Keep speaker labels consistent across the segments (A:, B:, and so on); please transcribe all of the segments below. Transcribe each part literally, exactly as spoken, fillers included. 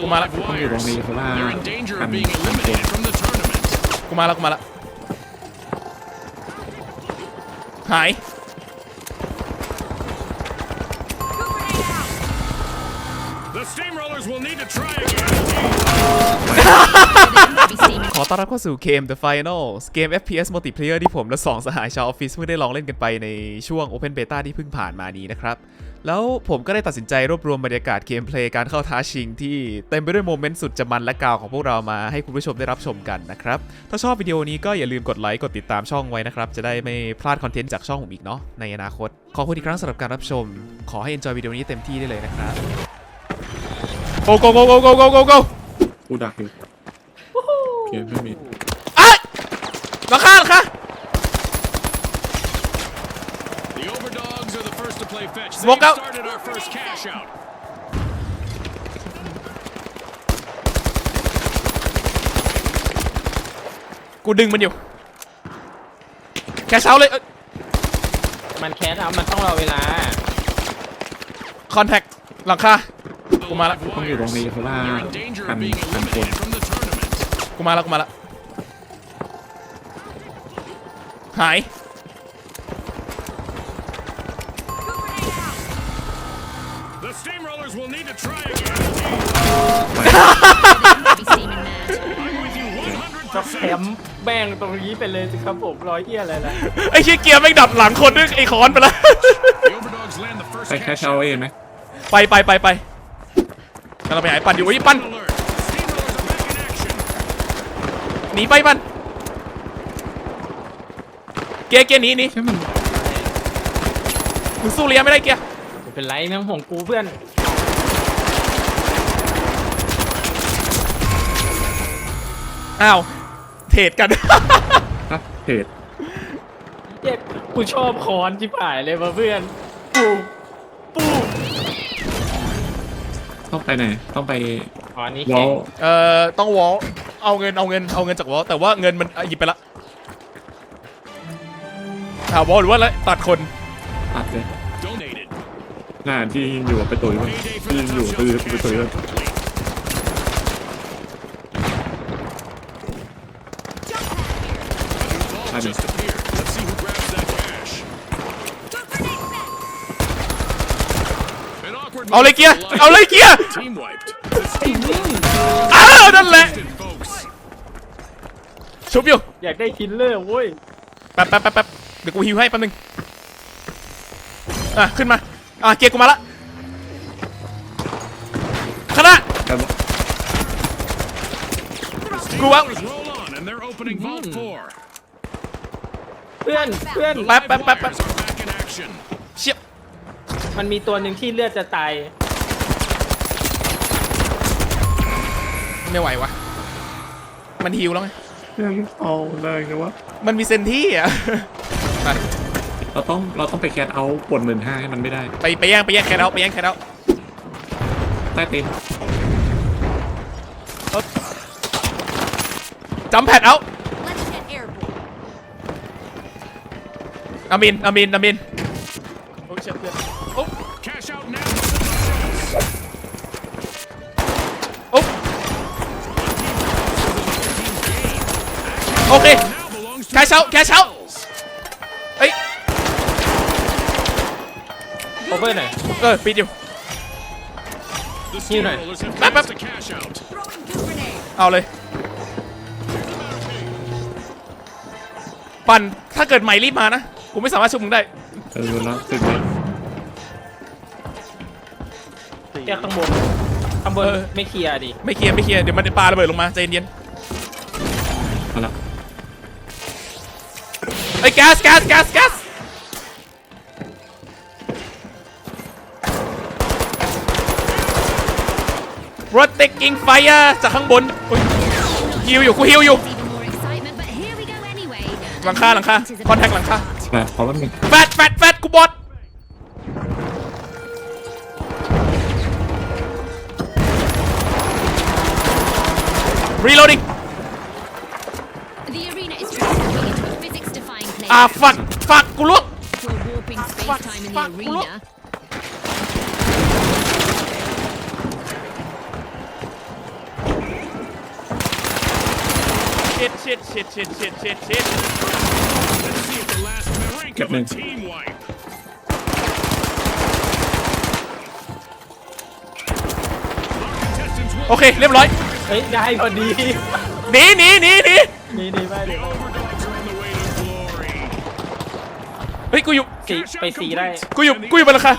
A: กูมาละ
B: ต้องอยู่ตรงนี้เพราะว่ากัน
A: กูมาละกูมาละหายขอต้อนรับเข้าสู่เกม The Finals เกม เอฟ พี เอส Multiplayer ที่ผมและสองสหายชาวออฟฟิศเพิ่งได้ลองเล่นกันไปในช่วง Open Beta ที่เพิ่งผ่านมานี้นะครับแล้วผมก็ได้ตัดสินใจรวบรวมบรรยากาศเกมเพลย์การเข้าท้าชิงที่เต็มไปด้วยโมเมนต์สุดจะมันและกาวของพวกเรามาให้คุณผู้ชมได้รับชมกันนะครับถ้าชอบวิดีโอนี้ก็อย่าลืมกดไลค์กดติดตามช่องไว้นะครับจะได้ไม่พลาดคอนเทนต์จากช่องผมอีกเนาะในอนาคตขอบคุณอีกครั้งสำหรับการรับชมขอให้ enjoy วิดีโอนี้เต็มที่ได้เลยนะครับ go go go go go go go go
B: กูดักอยู่เกมไม่มี
A: อ่ะราคาราคาSmoke out. กูดึงมันอยู่แคชเอาเลย
C: มันแคสเอามันต้องรอเวลา
A: คอนแทคหลังคากูมาละ
B: ต้องอยู่ตรงนี้เพราะว่ากันกันคน
A: กูมาละกูมาละหาย
C: จะแถมแบ่งตรงนี้ไปเลยสิครับผมร้อยเยี่ยอะไรนะ
A: ไอ้เชี่ยเกียร์แม่งดับหลังคนนึงไอ้คอนไปแล้ว
B: ไปแคชเอาเองไหม
A: ไปไปไปไปเราไปหายปั่นอยู่ไอ้ปั่นหนีไปปั่นเกียร์เกียร์หนีหนีมึงสู้เลี้ยไม่ได้เกียร์
C: ไม่เป็นไรแม่งห่วงกูเพื่อน
A: อ้าวเทรดกัน
B: ฮะเทรด
C: เย้กูชอบคอนที่ผ่ายเลยมาเพื่อนปูปู
B: ต้องไปไหนต้องไป
C: อ๋อนี่
B: วอล
A: เอ่อต้องวอลเอาเงินเอาเงินเอาเงินจากวอลแต่ว่าเงินมันหยิบไปละอ่าวอลหรือว่าอะไรตัดคน
B: ตัดเลยน่าที่อยู่ไปตุยมันที่อยู่ตือไปตุยมัน
A: เอาเลยเกียร์เอาเลยเกียร์อ้าวนั่นแหละชุบอยู่
C: อยากได้คิลเลอร์เว้ย
A: แป๊บแป๊บแป๊บแป๊บเดี๋ยวกูฮิวให้แป๊บนึงอ่ะขึ้นมาอ่ะเกียร์กูมาละคณะกูวะ
C: เพื่อนเพื่อน
A: แป๊บแป๊บแป๊บแป๊บเชี่ย
C: มันมีตัวหนึ่งที่เลือดจะตาย
A: ไม่ไหววะมันฮิวแล้วไง
B: เอาเลยนะวะ
A: มันมีเซนที่อ่ะไป
B: เราต้องเราต้องไปแคทเอาปวดหมื่นห้าให้มันไม่ได้
A: ไปไปแย่งไปแย่งแคทเอาไปแย่งแคทเอา
B: ใต้เต็ม
A: จัมแพดเอาอามินอามินอามินโอ้เจ็บเพื่อนโอ้โอ้โอเคแคชเอาแคชเอาเฮ้ย
C: โอเวอร์หน่อย
A: เออปิดอยู่
C: ฮิวหน่อย
A: แป๊บแป๊บเอาเลยปั่นถ้าเกิดใหม่รีบมานะกูไม่สามารถช่วยมึงได้
B: เออแล้วสึกเลย
C: แค่ข้างบนข้างบนไม่เคลียร์ดิ
A: ไม่เคลียร์ไม่เคลียร์เดี๋ยวมันจะปาระเบิดลงมาใจเย็น
B: เอาละ
A: ไอ้แก๊สแก๊สแก๊สแก๊สรถติกกิ้งไฟร์จากข้างบนฮิวอยู่กูฮิวอยู่หลังคาหลังคาคอนแทคหลังคา
B: แฟดขอแป๊บนึง
A: แฟดแฟดแฟดกูบอดรีโหลดิ้งอ่าฟักฟักกูลุกฟักฟักกูลุก shit shit shit shit shit shit shit
B: เก็บหนึ่ง
A: โอเคเรียบร้อย
C: เฮ้ยได้พอดี
A: หนีหนีหนีหนี
C: นี่นี่ไปเดี๋ยว
A: เฮ้ยกูอยู่
C: สีไปสีได้
A: กูอยู่กูอยู่บนหลังคา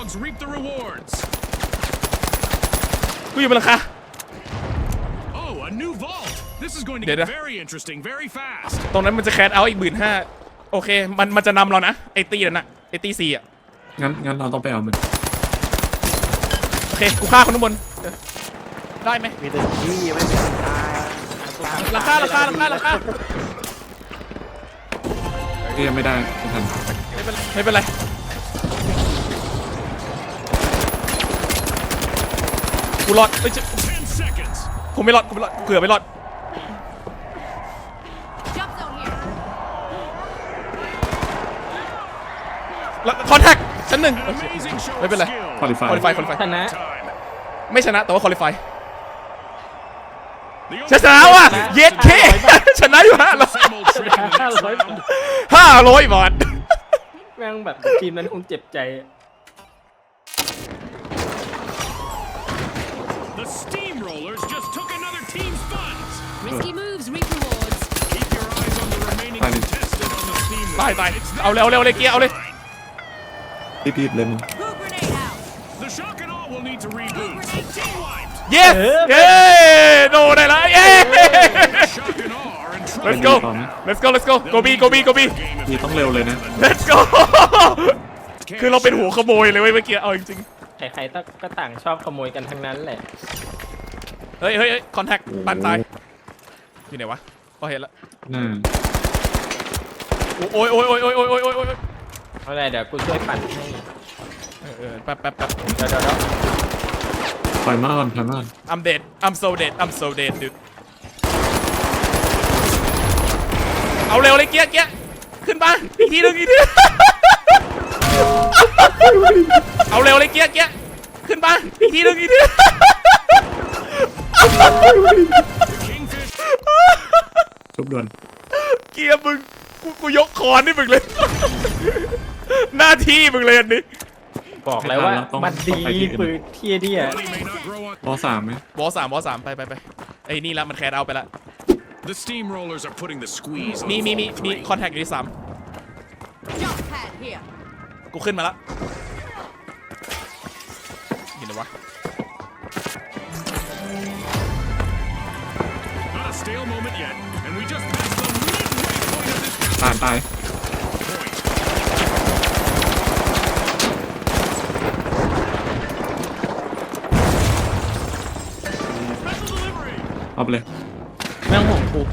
A: กูอยู่บนหลังคา
D: Oh, a new vault. This is going to
A: Did
D: get
A: I?
D: very interesting very fast.
A: ตรงนั้นมันจะแคสเอาอีกหมื่นห้าโอเคมันมันจะนำเรานะไอตีนั่นน่ะไอตีสี่อ่ะ
B: งั้นงั้นเราต้องไปเอามัน
A: โอเคกูฆ่าคนข้างบนเออได้ไหม
E: มีแต่ที่ไม่มีตาย
A: หลังคาหลังคาหลังคาหลังคา
B: ก็ยังไม่ได้ไม่ทัน
A: ไม่เป็นไรไม่เป็นไรกูรอดเอ้ยจะ
D: Ten seconds.
A: กูไม่รอดกูไม่รอดเผื่อไม่รอด
F: Jump zone here.
A: แล้วคอนแทคชั้นหนึ่ง
D: Amazing show
A: Maybe
D: of
A: like-
D: skill.
B: คอลิฟาย
A: qualify qualify
C: ชนะ
D: Time.
A: ไม่ชนะแต่ว่าคอลิฟาย
D: The
A: ชนะว่ะเย็ดเคชนะอยู่ห้าร้อย
D: same old trick in the next round.
A: ห้าร้อยบาท
C: แม่งแบบทีมนั้นคงเจ็บใจ
D: The Steamrollers just took another team's funds.
F: Risky moves reap rewards.
D: Keep your eyes on the remaining
B: Fine.
D: contestant on the Steamroller.
A: ตายตาย
D: It's
A: เอาเร็วเร็วเลยเกียร์เอาเลย
B: รีบๆเลยมึง
F: Who grenade out?
D: The shock and all will need to reboot. Team wiped.
A: yes เย้โดนได้แล้วเย้
D: Shock and all are in trouble.
A: let's go let's go let's go go B go B go B
B: นี่ต้องเร็วเลยนะ
A: let's go คือเราเป็นหัวขโมยเลยเว้ยเมื่อกี้เอาจริง
C: ใครๆก็ต่างชอบขโมยกันทั้งนั้นแหละ
A: ๆเฮ้ยเฮ้ยคอนแทคปันตายอยู่ไหนวะก็เห็นแล้ว
B: น่า
A: โอ้ยโอ้ยโอ้ยโอ้ยโอ้ยโอ้ยโอ้ยโอ้ย
C: เอาไรเดี๋ยวกูช่วยปั่นให้
A: เออเออแป๊บแป๊บแป๊บ
C: เดี๋ยวเดี๋ยวเดี๋ยว
B: ปล่อยมาก่อนปล่อยมาก่อน
A: I'm dead I'm so dead I'm so dead dude เอาเร็วเลยเกียร์เกียร์ขึ้นมาอีกทีหนึงอีกที เอาเร็วเลยเกียร์เกียร์ขึ้นมาอีกทีหนึงอีกที
D: Kingfish.
B: ชุบด่วน
A: เกียร์มึงกูกูยกคอนให้มึงเลย หน้าที่มึงเลยอันนี้
C: บอกเลยว่ามันดีปืนเทียเดีย
D: Money may not grow on.
B: รอสามไหม
A: วอสามวอสามไปไปไปไอ้นี่ละมันแคร์เอาไปละ
D: The Steamrollers are putting the squeeze on
A: มีมีมี
D: Vault
A: มี
D: three.
A: คอนแทคอยู่ที่สาม
F: Jump pad here.
A: กูขึ้นมาละอยู่ไหนวะ
D: Not a stale moment yet, and we just passed the midway point of this
B: ตายตาย
D: point. Special delivery.
B: เอาไปเลย
C: แม่งห่วงกู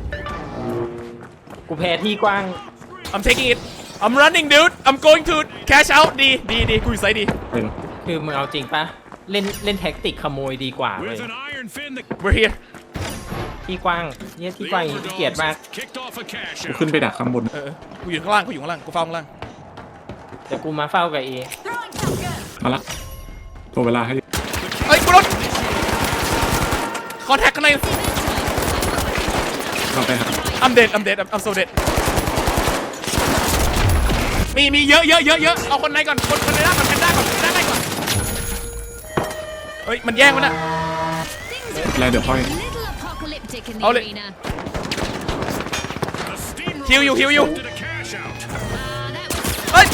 C: กูแพ้ที่กว้าง
A: I'm taking it I'm running dude I'm going to cash out ดีดีดีกูอยู่ไซด์ดี
B: ไปเลย
C: คือมึงเอาจริงปะเล่นเล่นแท็กติกขโมยดีกว่าเลย
D: With an iron fin, the,
A: we're here
C: ที่กว้างเนี่ยที่
D: the
C: กว้างอย่างนี้เกลียดมาก
D: overdogs kicked off a cash
B: กู
D: out.
B: ขึ้นไปดักข้างบน
A: เออกูอยู่ข้างล่างกูอยู่ข้างล่างกูเฝ้าข้างล่าง
C: เดี๋ยวกูมาเฝ้ากับเอ
F: Throwing shotgun.
B: มาละตัวเวลาให้
A: เอ้ยกูรถคอนแทคข้างใน
B: เราไปหา
A: I'm dead I'm dead I'm I'm so dead มีมีเยอะเยอะเยอะเยอะเอาคนไหนก่อนคนคนไหนได้ก่อนแพนด้าก่อนแพนด้าได้ก่อนเฮ้ยมันแย่งมันอะ
F: Things
B: แล้วเดี๋ยวค่อย
F: are a little apocalyptic in the
A: Hold it.
F: arena.
D: The Steamrollers
A: Heal you, heal you.
D: did a cash out.
F: Uh, that was
A: เฮ้ย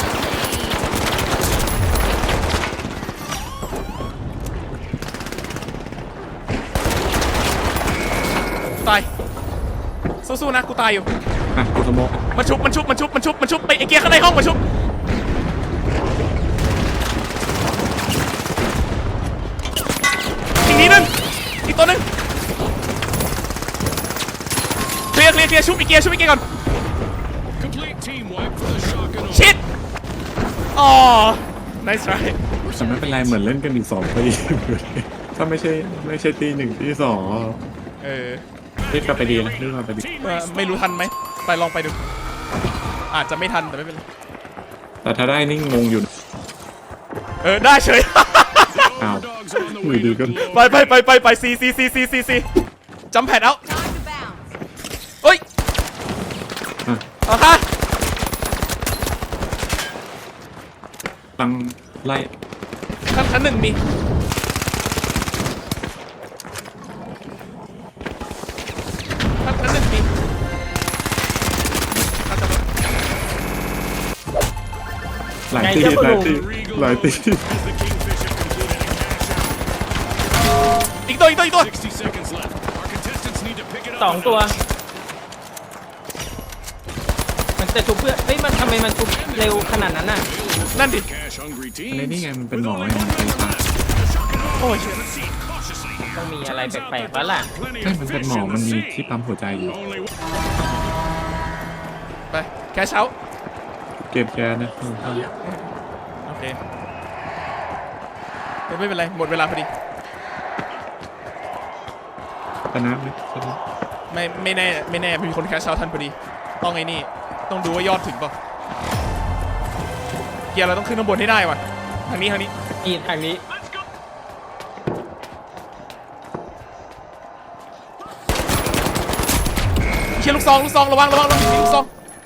A: ตายสู้ๆนะกูตายอยู่
B: อ่ะกูสโมก
A: มันชุบมันชุบมันชุบมันชุบมันชุบไปไอเกียร์ข้างในห้องมันชุบอีกนิดนึงอีกตัวนึงเคลียร์เคลียร์เคลียร์ชุบอีกเกียร์ชุบอีกเกียร์ก่อน
D: Complete team wipe for the shock and all.
A: ชิดอ๋อ nice try
B: แต่ไม่เป็นไรเหมือนเล่นกันอีกสองปี ถ้าไม่ใช่ไม่ใช่ตีหนึ่งตีสอง
A: เออ
B: รีบกลับไปดีนะรีบกลับไปดี
D: Team
A: เอ่อ
D: respawn.
A: ไม่รู้ทันไหมไปลองไปดูอาจจะไม่ทันแต่ไม่เป็นไร
B: แต่ถ้าได้นี่งงอยู่
A: เออได้เฉย
D: The overdogs are on the way
B: Ui,
D: to
B: đi con.
A: ไป
D: glory.
A: ไปไปไปไปซีซีซีซีซีซีจัมแพดเอา
F: time to bounce.
A: เฮ้ยเอาค่ะ
B: ตังไล่
A: ชั้นชั้นหนึ่งมีชั้นชั้นหนึ่งมีเอาจับมา
B: หลายตีหลายตีหลายตี
D: As the Kingfisher concluded a cash out.
A: อีกตัวอีกตัวอีกตัว
D: sixty seconds left. Our contestants need to pick it up.
C: สองตัว มันจะชุบเพื่อนเฮ้ยมันทำไมมันชุบเร็วขนาดนั้นน่ะ
A: นั่นดิ
D: Cash hungry
B: อะไร
D: teams.
B: นี่ไงมันเป็น
D: With
B: หมอ
D: only
B: ไงมัน
D: one
B: เป็น
D: minute
B: ตา
D: left. The shock and awe
A: Oh,
D: is
A: shit.
D: proceed cautiously here.
C: ต้องมีอะไร
D: Turns out
C: แปลก
D: that
C: ๆแล้วล่ะ
D: there's plenty
B: ใช่
D: of
B: มันเป็น
D: fish
B: หมอ
D: in
B: มัน
D: the
B: มี
D: sea.
B: ที่ปั๊มหัวใจอยู่
D: Only one-
A: ไปแคชเอา
B: เกมแก๊สนะ
A: โอเคไม่เป็นไรหมดเวลาพอดี
B: ชนะไหมชนะ
A: ไม่ไม่แน่ไม่แน่มีคนแคชเอาทันพอดีต้องไอ้นี่ต้องดูว่ายอดถึงเปล่าเกียร์เราต้องขึ้นข้างบนให้ได้ว่ะทางนี้ทางนี้
C: นี่ทางนี้
A: เชียร์ลูกซองลูกซองระวังระวังระวังมีลูกซอง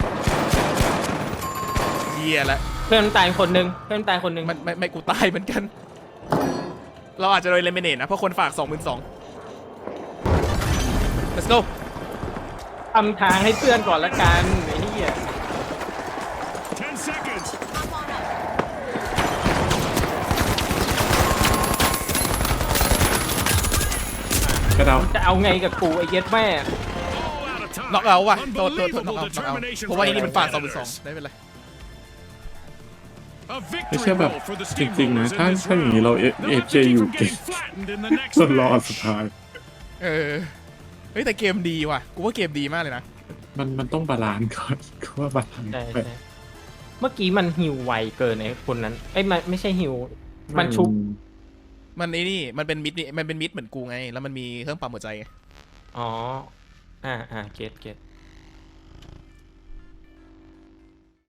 A: เกียร์ละ
C: เพื่อนมันตายคนหนึงเพื่อนมันตายคนหนึง
A: มันไม่ไม่กูตายเหมือนกัน เราอาจจะโดนเลมิเนตนะเพราะคนฝากสองหมื่นสอง let's go
C: ทำทางให้เพื่อนก่อนละกันไอ้เหี้ย
D: ten seconds.
F: Up on up.
B: กระเดา
C: จะเอาไงกับกูไอ้เย็ดแม่
D: All out of time.
A: น็อกเอาว่ะโทษโทษโทษน็อก
D: Unbelievable
A: เอาน็อกเอา
D: determination
A: เพราะว่าไอ้
D: from
A: นี่มันฝากสองหมื่นสอง
D: players.
A: ได้เป็นไร
D: A
B: ไม่
D: victory
B: ใช่แบบ
D: roll for the
B: จริงๆนะ
D: Steamrollers
B: ถ้า
D: in this
B: ถ้าอย่างนี้
D: round.
B: เราเอ
D: They'll
B: เจ
D: have to
B: อยู่
D: keep from
B: เก่ง
D: getting flattened in the next
B: จนรอ
D: match.
B: สุดท้าย
A: เออเฮ้ยแต่เกมดีว่ะกูว่าเกมดีมากเลยนะ
B: มันมันต้องบาลานซ์ก่อน ก็ว่าบาลานซ์
C: ใช่
B: ไป
C: ใช่เมื่อกี้มันหิวไวเกินไอ้คนนั้นเอ้ยมันไม่ใช่หิว มันชุบ
A: มันไอ้นี่มันเป็นมิดนี่มันเป็นมิดเหมือนกูไง แล้วมันมีเครื่องปั๊มหัวใจไง
C: อ๋อ อ่าอ่าเก็ตเก็ต